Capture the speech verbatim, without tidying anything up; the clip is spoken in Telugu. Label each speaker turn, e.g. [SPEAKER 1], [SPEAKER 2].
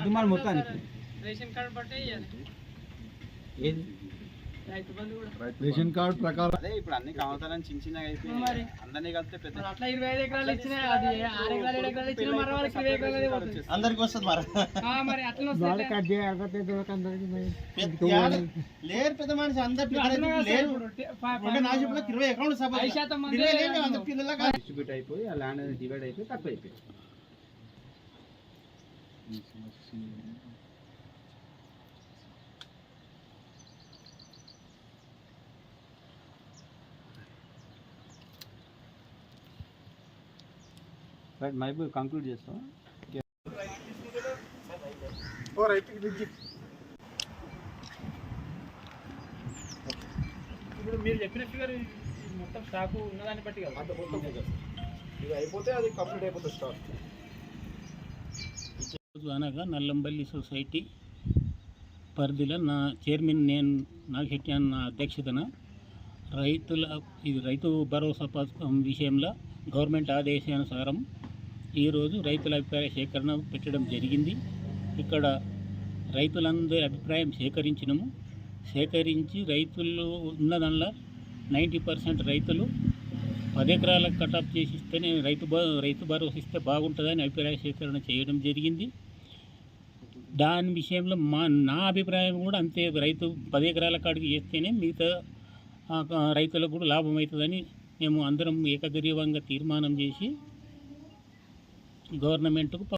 [SPEAKER 1] దుమారు మొత్తానికి
[SPEAKER 2] రేషన్ కార్డు బట్టే
[SPEAKER 1] ఏది
[SPEAKER 3] రేషన్ కార్డు ప్రకారం
[SPEAKER 1] అదే ఇప్పుడు అన్ని కావతారని చిన్న చిన్నగా అయిపోయి అందరినీ కలిపితే పెద్ద
[SPEAKER 2] అట్లా ఇరవై ఐదు ఎకరాలు ఇచ్చినా అది ఆరు ఎకరాలు ఏడు ఎకరాలు ఇచ్చినా మరి వాళ్ళకి ఇరవై ఎకరాలు పోతుంది.
[SPEAKER 1] అందరికి వస్తుంది మరి
[SPEAKER 2] ఆ, మరి అట్లా
[SPEAKER 1] లేరు పెద్ద మనిషి అందరు లేరు ఇరవై ఎకరాలు
[SPEAKER 2] ఐదు శాతం మంది
[SPEAKER 1] డిస్ట్రిబ్యూట్ అయిపోయి ఆ ల్యాండ్ అనేది డివైడ్ అయిపోయి తక్కువ అయిపోయి రైట్ మైబు కంక్లూడ్ చేస్తాం
[SPEAKER 2] ఇప్పుడు మీరు చెప్పిన ఫిగర్ మొత్తం స్టాకు ఉన్నదాన్ని బట్టి కదా
[SPEAKER 3] ఇది అయిపోతే అది కంప్లీట్ అయిపోతుంది స్టాక్.
[SPEAKER 4] అనగా నల్లంబల్లి సొసైటీ పరిధిలో నా చైర్మన్ నేను నాగశెట్టి అన్న అధ్యక్షతన రైతుల ఇది రైతు భరోసా పథకం విషయంలో గవర్నమెంట్ ఆదేశానుసారం ఈరోజు రైతుల అభిప్రాయ సేకరణ పెట్టడం జరిగింది. ఇక్కడ రైతులందరి అభిప్రాయం సేకరించినము. సేకరించి రైతులు ఉన్నదానిలో నైంటీ పర్సెంట్ రైతులు పది ఎకరాలకు కటాప్ చేసి ఇస్తేనే రైతు రైతు భరోసా ఇస్తే బాగుంటుందని అభిప్రాయ సేకరణ చేయడం జరిగింది. దాని విషయంలో మా నా అభిప్రాయం కూడా అంతే. రైతు పది ఎకరాల కాడికి చేస్తేనే మిగతా రైతులకు కూడా లాభం అవుతుందని మేము అందరం ఏకగ్రీవంగా తీర్మానం చేసి గవర్నమెంట్కు